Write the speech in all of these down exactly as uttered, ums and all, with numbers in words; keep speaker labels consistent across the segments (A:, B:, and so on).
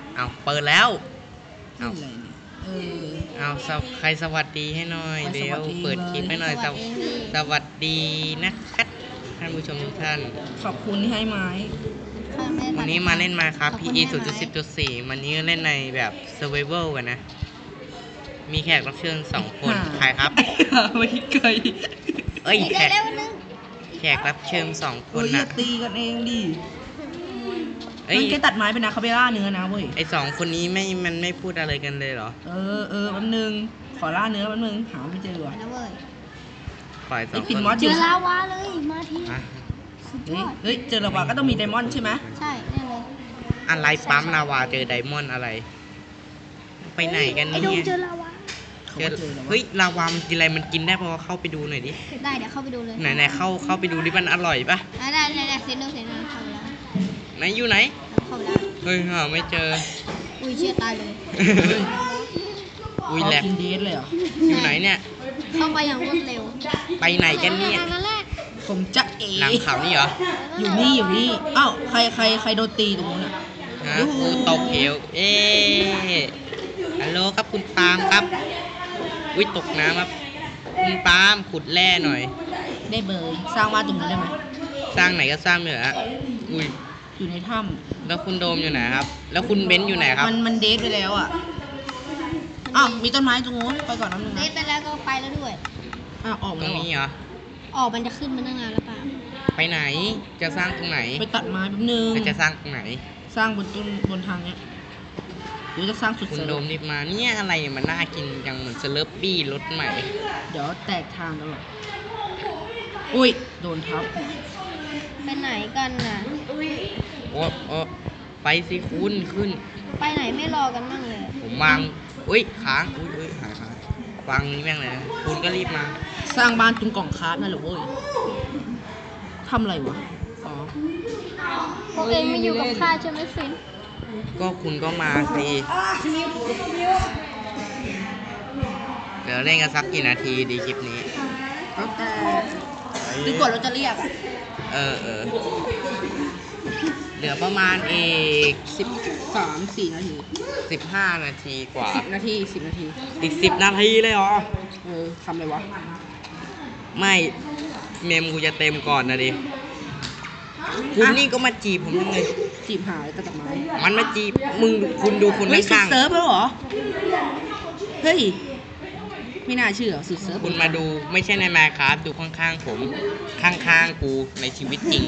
A: เอาเปิดแล้วเอา
B: อะไรเนี่ยเออ
A: เอาใครสวัสดีให้หน่อยเดี๋ยวเปิดคลิปให้หน่อยสวัสดีนะครับท่านผู้ชมทุกท่าน
B: ขอบคุณที่ให้ไม้
A: วันนี้มาเล่นมาครับ พี อี ศูนย์จุดสิบจุดสี่วันนี้เล่นในแบบ Survival กันนะมีแขกรับเชิญสองคนใครครับ
B: ไม่เคย
A: เอ้ยแขกแขกรับเชิญสองคนนะ
B: ตีกันเองดิมันแค่ตัดไม้เป็นนาคาเบล่าเนื้อนะเว้ย
A: ไอสองคนนี้ไม่มันไม่พูดอะไรกันเลยเหรอ
B: เออเออแป๊บนึงขอล่าเนื้อแป๊บนึงหาไม่เจอว่ะ
A: ปล่อยสองคน
C: เจอลาวาเลยมาที
B: เฮ้ยเจอลาวาก็ต้องมีไดมอนด์ใช่ไหม
C: ใช่แน่เลย
A: อะไรปั๊มลาวาเจอไดมอนด์อะไรไปไหนกันเนี่ย
C: เจอลาวา
A: เฮ้ยลาวามันกินอะไรมันกินได้พอเข้าไปดูหน่อยดิ
C: ได้เดี๋ยวเข้าไปดูเลย
A: ไหนไหนเข้าเข้าไปดูดิมันอร่อยปะ
C: ได้ได้ได้เซนโนเซนโนเข้าไปแล้ว
A: ไหนอยู่ไหน
C: เข้าไปแล้ว
A: เฮ้ยหาไม่เจอ
C: อุ้ยเชี่ยตายเลย
A: อุ้ยแหลก
B: เลยเหรอ
A: อยู่ไหนเนี่ย
C: เข้าไปอย่างรวดเร็ว
A: ไปไหนกันเนี่ย
B: ผมจะเอ
A: หลังเขานี่เหรอ
B: อยู่นี่อยู่นี่อ้าวใครใครใครโดนตีตรงนู้นอ่ะ
A: ฮะกูตกเหวเอ๊ฮัลโหลครับคุณปาล์มครับวิตกน้ำครับคุณปาล์มขุดแร่หน่อย
B: ได้เบยสร้างบ้านตรงนี้ได้ไหม
A: สร้างไหนก็สร้างเหนืออุ้ย
B: อยู่ในถ้ำ
A: แล้วคุณโดมอยู่ไหนครับแล้วคุณเบนซ์อยู่ไหนครับ
B: มันมันเดทไปแล้วอ่ะอ้าวมีต้นไม้ตรงนู้นไปก่อนน้ำหนึ่ง
C: เดทไปแล้วก็ไปแล้วด้วย
B: อ้าวออก
A: ตรงนี้เหรอ
C: ออกมันจะขึ้นมาตั้งนานแล้วป่ะ
A: ไปไหนจะสร้างตรงไหน
B: ไปตัดไม้แป๊บนึง
A: จะสร้างตรงไหน
B: สร้างบนต้นบนทางเนี้ยเดี๋ยวจะสร้างสุด
A: คุณโดมรีบมาเนี่ยอะไรมันน่ากินจังเหมือนสเลอร์ปี้รสใหม่
B: เดี๋ยวแตกทางตลอดอุ้ยโดนทับ
C: ไปไหนกันน่ะ
A: โอ้โอ้ไปสิคุณขึ้น
C: ไปไหนไม่รอกันบ้างเลย
A: ผมวางอุ้ยค้างอุ้ยอุ้ยหายค้างวางนี้แม่งเลยนะคุณก็รีบมา
B: สร้างบ้านตรงกล่องคาร์ดนั่นแหละเว้ยทำอะไรวะอ๋อ
C: พวกเองไม่อยู่กับข้าใช่ไหมฟิน
A: ก็คุณก็มาสิเดี๋ยวเล่นกันสักกี่นาทีดีคลิปนี้
B: แล้วแต่หรือกดเราจะเรียกอ่ะ
A: เออเออเหลือประมาณอีก
B: สิบสามสี่นาที
A: สิบห้านาทีกว่า
B: สิบนาทีสิบนาที
A: อีกสิบนาทีเลยเหรอ
B: เออทำอะไรวะ
A: ไม่เมมกูจะเต็มก่อนนะดิคุณนี่ก็มาจีบผมยังไง
B: จีบหายกระตักไม้
A: มันมาจีบมึงคุณดูคนข้าง
B: ๆเซิร์ฟแล้วเหรอเฮ้ยไม่น่าเชื่อสุดเซิร์ฟ
A: คุณมาดูไม่ใช่ในแมคครับดูข้างๆผมข้างๆกูในชีวิตจริง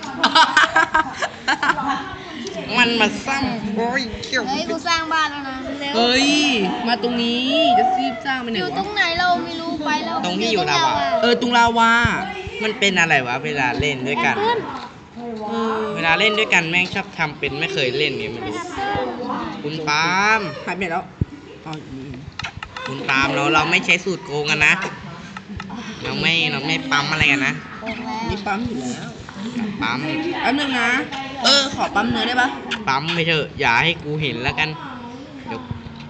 A: มันมาซ้ำโอ้ยเกี่ยว
C: เฮ้ยกูสร้างบ้านแล้วนะเร็ว
B: เฮ้ยมาตรงนี้จะซีบสร้างไปไหนวะ
C: อยู่ตรงไหนเราไม่รู้ไปแล้ว
A: ตรงที่อยู่ลาวา
B: เออตรงลาวา
A: มันเป็นอะไรวะเวลาเล่นด้วยกันเวลาเล่นด้วยกันแม่งชอบทำเป็นไม่เคยเล่นเนี่ยไม่รู้คุณปาล์ม
B: หายไปแล้ว
A: คุณปาล์มเราเราไม่ใช้สูตรโกงกันนะเราไม่เราไม่ปั๊มอะไรกันนะ
B: นี่ปั๊มอยู่แล้ว
A: ปั๊ม
B: แป๊บนึงนะเออขอปั๊มเนื้อได้ปะ
A: ปั๊มไปเถอะอย่าให้กูเห็นแล้วกันเดี๋ยว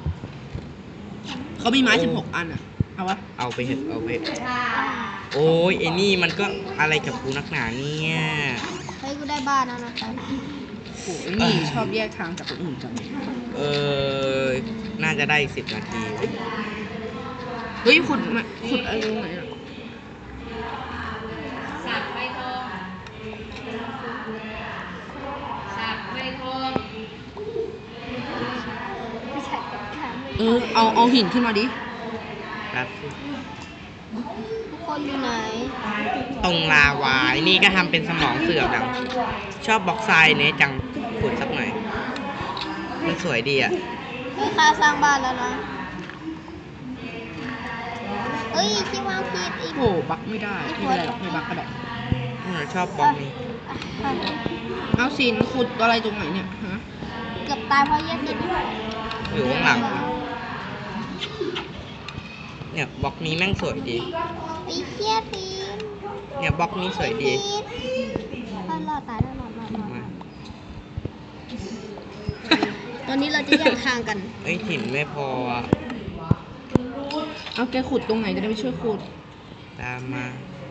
B: เขามีไม้สิบหกอันอ่ะเอาวะ
A: เอาไปเถอะเอาไปโอ้ยไอ้นี่มันก็อะไรกับกูนักหนาเนี่ย
C: เฮ้ยกูได้บ้านแล้วนะ
B: โอ้ยนี่ชอบแยกทางจากคนอื่นจัง
A: เออน่าจะได้สิบนาที
B: เฮ้ยขุดมาขุดอะไรตรงไหนอ่ะ
C: สับใบทองสับใบทอง
B: เออเอาเอาหินขึ้นมาดิ
A: ครับ
C: ทุกคนอยู่ไหน
A: ตรงลาวานี่ก็ทำเป็นสมองเสื่อมดังชอบบล็อกทรายเนี่ยจังขุดสักหน่อยมันสวยดีอ่ะ
C: เฮ้ยข้าสร้างบ้านแล้วนะเอ้ยที่วางผิดอีก
B: โอ้บักไม่ได้ไม่เป็นไรหรอกไม่บักก็ได้
A: ชอบบล็อกนี้
B: เอาสินขุดอะไรตรงไหนเนี่ยฮะ
C: เกือบตายเพราะแยกติด
A: อยู่ข้างหลังเนี่ยบล็อกนี้แม่งสวยดี
C: ไอ้เหี้ยที
A: เนี่ยบล็อกนี้สวยดี
C: รอดตายแล้วรอดรอดรอดตอนนี้เราจะแยกทางกัน
A: ไอ้ถิ่นไม่พอ
B: เอาแกขุดตรงไหนจะได้ไปช่วยขุด
A: ตามมา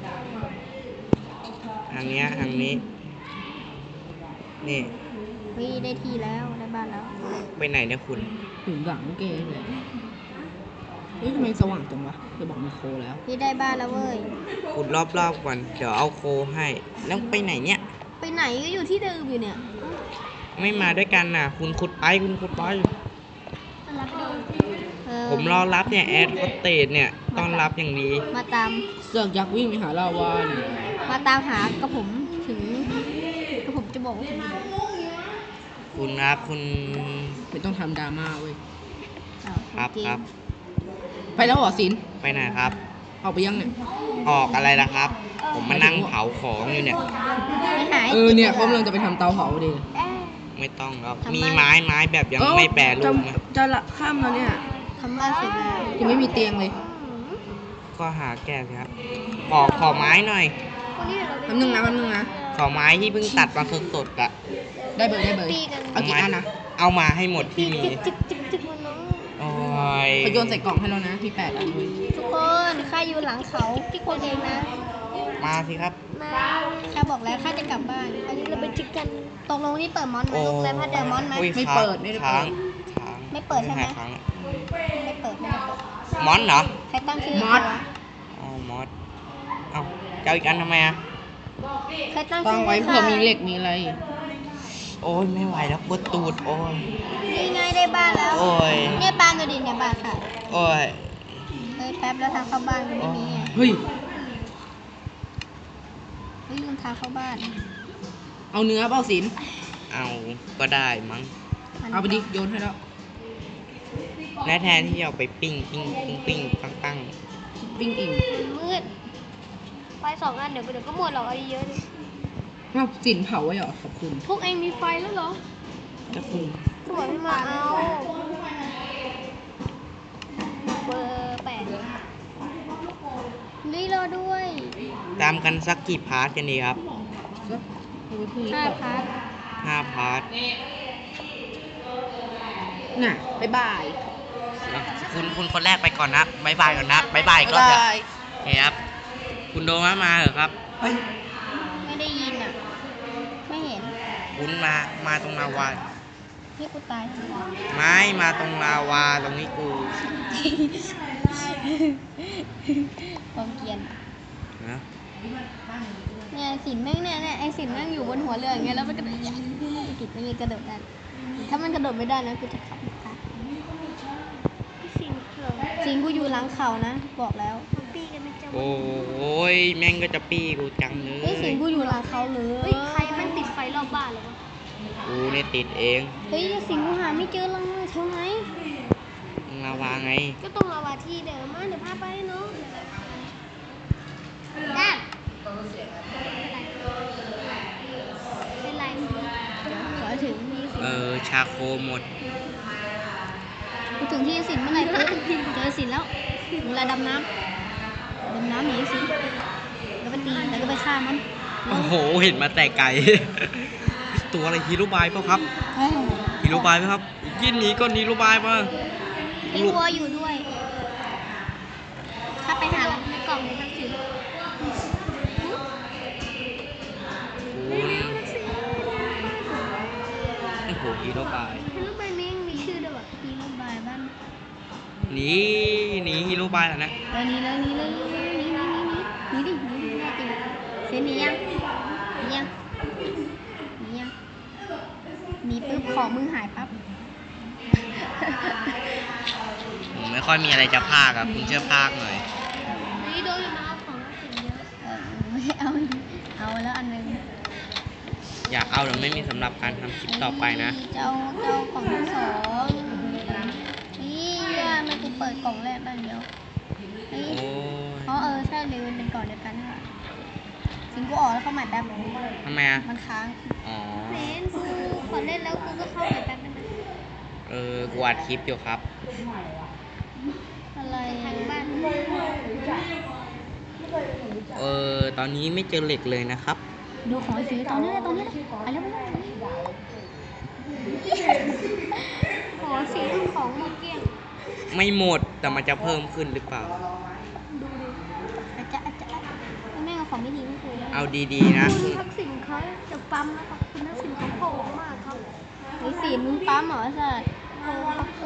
A: ทางนี้ทางนี้นี่
C: พี่ได้ทีแล้วได้บ้านแล้ว
A: ไปไหนเนี่ยคุณ
B: ถึงหลังเกย์เลยเฮ้ยทำไมสว่างจังวะจะบอกมีโคแล้ว
C: พี่ได้บ้านแล้วเว้ย
A: ขุดรอบๆก่อนเดี๋ยวเอาโคให้ แล้วไปไหนเนี่ย
C: ไปไหนก็อยู่ที่เดิมอยู่เนี่ย
A: ไม่มาด้วยกันน่ะ คุณขุดไปคุณขุดไป
C: รับดูเออ
A: ผมรอรับเนี่ยแอดคอตเตจเนี่ยต้อนรับอย่างดี
C: มาตาม
B: เสือกยักษ์วิ่งไปหาลาวาเนี่ย
C: มาตามหากระผมถึงกระผมจะบอกว่าผมอยู่ไหน
A: คุณครับคุณ
B: ไม่ต้องทำดราม่าเว้ย
C: อ้าว
A: ครับ
C: จง
A: ครับ
B: ไปแล้วเหรอสิน
A: ไปไหนครับ
B: ออกไปยังเนี่ย
A: ออกอะไรล่ะครับ ผมมานั่งเผาของอยู่เนี่ย
C: ไม่หาย
B: เออเนี่ยเขากำลังจะไปทำเตาเผาดิ
C: เอ๊ะ
A: ไม่ต้องครับ
C: ทำไม
A: มีไม้ไม้แบบยังไม่แปรรูปนะ
B: จะจะละข้ามแล้วเนี่ย
C: ทำบ้านเสร็จแล้ว
B: ยังไม่มีเตียงเลย
A: ก็หาแก้สิครับขอขอไม้หน่อย
C: วันนี้เรา
B: แป๊บนึงนะแป๊บนึงนะ
A: ขอไม้ที่เพิ่งตัดมาสดๆอะ
B: ได้เบอร์ได้เบอร์เอากี่อันนะ
A: เอามาให้หมดที่มี
C: จิกจิกจิกจิกมันน้อง
A: โอ้ย
B: เขาโยนใส่กล่องให้แล้วนะพี่แปดอันเลย
C: ทุกคนข้าอยู่หลังเขาที่คนเองนะ
A: มาสิครับ
C: มาข้าบอกแล้วข้าจะกลับบ้านอันนี้เราไปจิกกันตกลงนี่เปิดมอนไหมลูกเลยพัดเดอร์มอนไหม
A: อุ้ย
B: ไม่
A: ค้าง
B: เปิดไม่ได้
A: ค้า
B: เปิ
A: ง
B: ด
A: ค้าง
C: ไม่เปิดใช่ไหม
A: ค้างอะ
C: ไม่เปิดไม่ได้เปิด
A: มอนเหรอ
C: ใครตั้งชื่อ
B: มอส
A: อ๋อมอสเอ้าจะเอาอีกอันทำไมอะ
C: ใครตั้ง
B: ตั้
C: ชื่
B: ง
C: อ
B: ไว้เผื่อมีเหล็กมีอะไร
A: โอ้ยไม่ไหวแล้วปวดตูดโอ้ย
C: นี่ไงได้บ้านแล้ว
A: โอ้ย
C: เนี่ยบ้านดูดิเนี่ยบ้านค่ะ
A: โอ้ย
C: เฮ้ยแป๊บแล้วทางเข้าบ้านก็ไม่มีไง
B: เฮ้ย
C: เฮ้ยลืมทางเข้าบ้าน
B: เอาเนื้อเปล่าสิน
A: เอาก็ได้มั้ง
C: มัน
B: เอาไปดิโยนให้แล้ว
A: และแทนที่จะเอาไปปิ้งปิ้งปิ้งปิ้งตั้งตั้ง
B: ปิ้งเอง
C: มืดไฟสองอันเดี๋ยวเดี๋ยวก็หมดหรอกเอาเยอะดิ
B: อ้าวสินเผาไว้เหรอขอบคุณ
C: พวกเองมีไฟแล้วเหรอ
A: จะคุณ
C: สวยไม่มาเอาเบอร์แปดนี่รอด้วย
A: ตามกันสักกี่พาร์ทกันดีครับ
B: ก็เอาไว้พรุ่งนี้
C: ห้า
B: ก่อน
C: พาร์ท
A: ห้าพาร์ท
B: น่ะบ๊ายบาย
A: อ่ะคุณคุณคนแรกไปก่อนนะบายบายก่อนนะบายบายก็
B: บ๊าย
A: เถอะ
B: บาย
A: โอเคครับ คุณโดมามาเหรอครับ
C: ไม่ได้ยินอ่ะ ไม่เห็น
A: คุณมา มาตรงลาวา
C: นี่กูตาย
A: ไม้มาตรงลาวาตรงนี้กู
C: ความเกรียน
A: นะ
C: เนี่ยสินแม่งเนี่ยเนี่ยไอสินแม่งอยู่บนหัวเรืออย่างเงี้ยแล้วมันกระโดดอย่างนี้กิดไม่มีกระโดดได้ถ้ามันกระโดดไม่ได้นะกูจะขับค่ะสินเขื่อนสินกูอยู่หลังเขานะบอกแล้วปีกันไม่เจอ
A: โอ้ยแม่งก็จะปี้กูจังเล
C: เฮ้ยสิ
A: ย
C: นกูอยู่หลังเขาเลยใครมันติดไฟรอบบ้านหรอวะ
A: กูเนี่ยติดเอง
C: เฮ้ยสินกูหาไม่เจอเลยเท่าไง
A: ลาวาไง
C: ก็ต้องมาวาที่เดิมมาเดี๋ยวพาไปเนาะได้เป็นไรขอถึงมีสิน
A: เออ ชาโคหมด
C: กูถึงที่สินเมื่อไหร่ปุ๊บเจอสินแล้วเวลาดำน้ำดำน้ำหนีสินแล้วไปตีแล้วก็ไปฆ่ามัน
A: โอ้โห เห็นมาแต่ไกล ตัวอะไรฮีโร่บายเปล่าครับ
C: เฮ้ย
A: ฮีโร่บายไหมครับยินหนีก็ฮีโร่บายมา
C: มีวัวอยู่ด้วยถ้าไปหาในกล่องในทักษิณ
A: โอ้โหฮีโร่บาย
C: ฮีโร่บายแม่งมีชื่อด้วยวะฮีโร่บายบ้าน
A: หนีหนีฮีโร่บายแล้วนะ
C: เออหนีเลยหนีเลยหนีหนีหนีหนีหนีดิหนีดิแน่จริงเซนหนียังหนียังหนียังหนีปุ๊บของมึงหายปั๊บ
A: ผมไม่ค่อยมีอะไรจะพากอะคุณเชื่อพากหน่อย
C: นี่โดนนะครับของสินเยอะเออไม่เอาเอาแล้วอันนึง
A: อยากเอาแต่ไม่มีสำหรับการทำคลิปต่อไปนะ
C: เจ้าเจ้ากล่องที่สองนี่ว่ามันกูเปิดกล่องแรกได้เดียวนี่
A: โอ้ย
C: อ๋อเออใช่เลยมันเป็นกล่องเดียวกันค่ะสิงกูออกแล้วเข้าใหม่แป๊บ
A: ทำไมอะ
C: มันค้าง
A: อ๋อ
C: เล่นกูขอเล่นแล้วกูก็เข้าใหม่แป๊บได้ไหม
A: เออ กูอัดคลิปอยู่ครับ
C: อะไรทางบ้าน
A: เออ ตอนนี้ไม่เจอเหล็กเลยนะครับ
C: ดูของไอ้สีตอนนี้เลยตอนนี้เลยไปแล้วไปแล้วขอสีของหมดเกลี้ยง
A: ไม่หมด แต่มันจะเพิ่มขึ้นหรือเปล่า
C: ดูดูอาจจะอาจจะแม่เอาของไม่ดีไม่เคย
A: เอาดีๆนะ
C: คุณทักษิณเขาจะปั๊มแล้วครับคุณทักษิณเขาโผล่มากครับไอ้สีมึงปั๊มเหรอสัตว์